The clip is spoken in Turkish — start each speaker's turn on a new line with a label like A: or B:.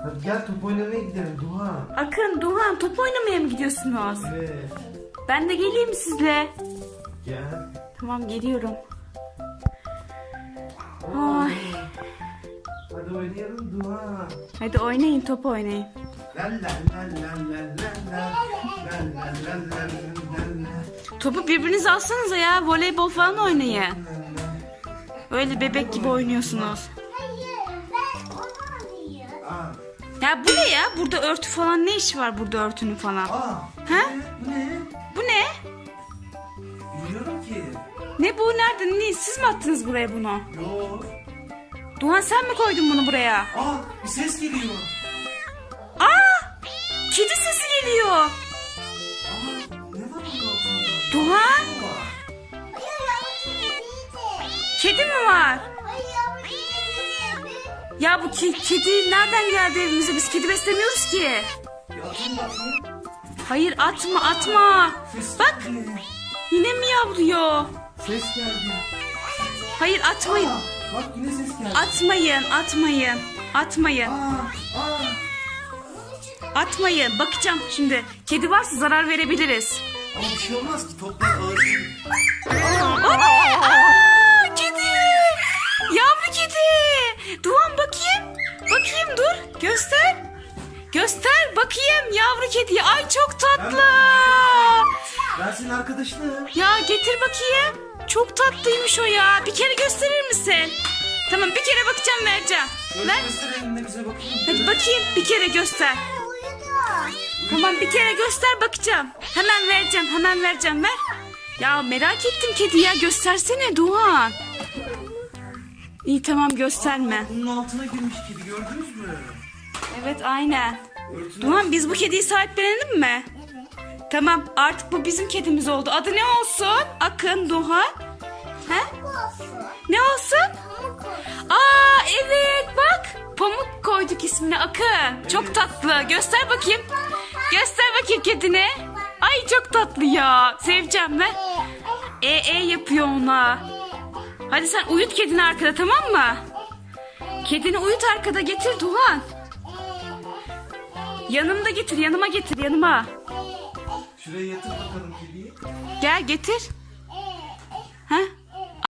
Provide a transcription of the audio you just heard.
A: Hadi gel top oynamaya gidelim Duhan.
B: Akın, Duhan top oynamaya mı gidiyorsunuz?
A: Evet.
B: Ben de geleyim mi sizle?
A: Gel.
B: Tamam, geliyorum. Ay.
A: Hadi oynayalım Duhan.
B: Hadi oynayın, top oynayın.
A: La la la la la la la. La la la la la la.
B: Topu birbirinize alsanıza ya, voleybol falan oynayın. Öyle bebek gibi oynuyorsunuz.
A: Aa.
B: Ya bu ne ya? Burada örtü falan, ne işi var burada örtünün falan?
A: Aa.
B: Ha?
A: Bu ne?
B: Bu ne?
A: Bilmiyorum ki.
B: Ne bu? Nerede? Ne? Siz mi attınız buraya bunu?
A: Yok.
B: Duhan, sen mi koydun bunu buraya?
A: Aa, bir ses geliyor.
B: Aa! Kedi sesi geliyor.
A: Aa, ne var bunun altında?
B: Duhan,
A: Ne var?
B: kedi mi var? Ya bu kedi nereden geldi evimize? Biz kedi beslemiyoruz ki.
A: Bir atın bakayım.
B: Hayır, atma atma.
A: Ses
B: Bak,
A: geldi.
B: yine mi yavruyor?
A: Ses geldi.
B: Hayır, atmayın.
A: Aa, bak yine ses geldi.
B: Atmayın, atmayın. Atmayın.
A: Aa.
B: Atmayın. Bakacağım şimdi. Kedi varsa zarar verebiliriz.
A: Ama bir şey olmaz ki, toplar ağır değil.
B: O ne? Aa, kedi. Yavru kedi. Duhan, bakayım. Bakayım, dur. Göster. Göster bakayım yavru kedi. Ay çok tatlı.
A: Ben senin arkadaşınım.
B: Ya getir bakayım. Çok tatlıymış o ya. Bir kere gösterir misin? Tamam, bir kere bakacağım, vereceğim.
A: Şöyle
B: Ver.
A: göster elinde bize bakayım.
B: Hadi bakayım, bir kere göster. Tamam, bir kere göster, bakacağım. Hemen vereceğim, hemen vereceğim, ver. Ya merak ettim kedi ya, göstersene Duhan. İyi, tamam, gösterme.
A: Bunun altına girmiş kedi, gördünüz mü?
B: Evet, aynen.
A: Örtünün
B: Duhan, biz bu kediyi sahiplenelim mi? Tamam, artık bu bizim kedimiz oldu. Adı ne olsun? Akın, Duhan. He? Ne olsun? Aa, evet, bak. Pamuk koyduk ismini, Akın. Çok tatlı. Göster bakayım. Göster bakayım kedini. Ay çok tatlı ya. Seveceğim ben. Yapıyor ona. Hadi sen uyut kedini arkada, tamam mı? Kedini uyut arkada, getir Duhan. Yanımda getir, yanıma getir, yanıma.
A: Şuraya yatır bakalım kediyi.
B: Gel getir.